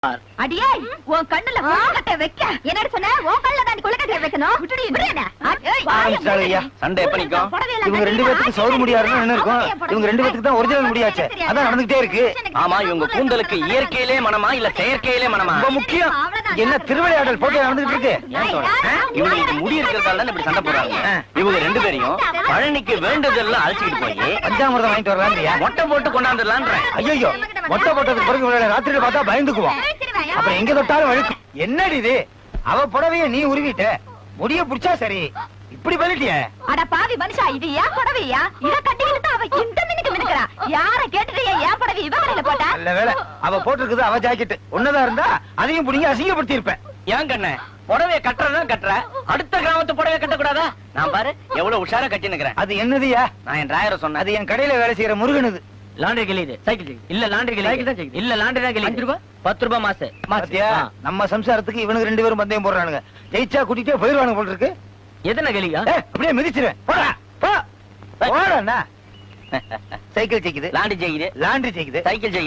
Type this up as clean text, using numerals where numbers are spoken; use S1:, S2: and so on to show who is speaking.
S1: அடியே உன் கண்ணுல கொழுக்கட்டை வைக்க என்னடி சொன்ன உன் கண்ணுல தான் கொழுக்கட்டை வைக்கணும்
S2: சண்டை எப்ப நிக்கும்?
S3: இவங்க ரெண்டு பேத்துக்கு சௌர முடியாதுன்னு என்ன இருக்கும்? இவங்க ரெண்டு பேத்துக்கு தான் ஒரிஜினல் முடியாச்சு, அதான் நடந்துகிட்டே இருக்கு.
S2: ஆமா, இவங்க கூந்தலுக்கு இயற்கையிலே மனமா இல்ல செயற்கையிலே மனமா?
S3: ரொம்ப முக்கியம். என்ன திருவிளையாடல் போட்டு நடந்துகிட்டு இருக்கு?
S2: இவங்களுக்கு முடி இருக்கிறதால இப்படி சண்டை போடுறாங்க. இவங்க ரெண்டு பேரையும் பழனிக்கு வேண்டுதல்லாம் அழைச்சிட்டு போய்
S3: பஞ்சாமிரதம் வாங்கிட்டு வரலாம்.
S2: மொட்டை போட்டு கொண்டாந்துடலான்ற.
S3: ஐயோ, மொட்டை போட்டதுக்கு பிறகு ராத்திரியில பார்த்தா பயந்துக்குவோம். அப்புறம் எங்க தொட்டாலும் வழுக்கும். என்னடி இது? அவ புடவைய நீ உருவிட்ட, முடிய புடிச்சா சரி, இப்படி பண்ணிட்டிய?
S1: அட பாவி மனுஷா, இது ஏன் புடவையா? இத கட்டிக்கிட்டு அவ இந்த மினுக்கு மினுக்குறா. யார கேட்டுட்டு ஏன் புடவை இவ வரையில போட்டா?
S3: நல்ல வேளை அவ போட்டிருக்குது அவ ஜாக்கெட். ஒன்னதா இருந்தா அதையும் புடிங்க அசிங்கப்படுத்தி இருப்பேன்.
S2: ஏன் கண்ணே, புடவைய கட்டுறதான் கட்டுற, அடுத்த கிராமத்து புடவைய கட்டக்கூடாதா? நான் பாரு எவ்வளவு உஷாரா கட்டி நிக்கிறேன்.
S3: அது என்னதுயா?
S2: நான் என் டிராயரை சொன்னேன்.
S3: அது என் கடையில வேலை செய்யற முருகனுது.
S2: லாண்டரி கிளியுது, சைக்கிள் இல்ல, லாண்டரி கிளி இல்ல, லாண்டரி தான் கிளி. 5 ரூபாய் 10 ரூபாய் மாசு.
S3: நம்ம சம்சாரத்துக்கு இவனுக்கு ரெண்டு பேரும் பந்தயம் போடுறானுங்க. ஜெயிச்சா கூட்டிட்டே போயிருவானுங்க போல இருக்கு.
S2: எத்தனை கிளியா?
S3: அப்படியே மிதிச்சிருவேன். போடா போ. போடா. சைக்கிள் ஜெயிக்குது,
S2: லாண்டரி ஜெயிக்குது,
S3: லாண்டரி ஜெயிக்குது,
S2: சைக்கிள் ஜெயிக்குது.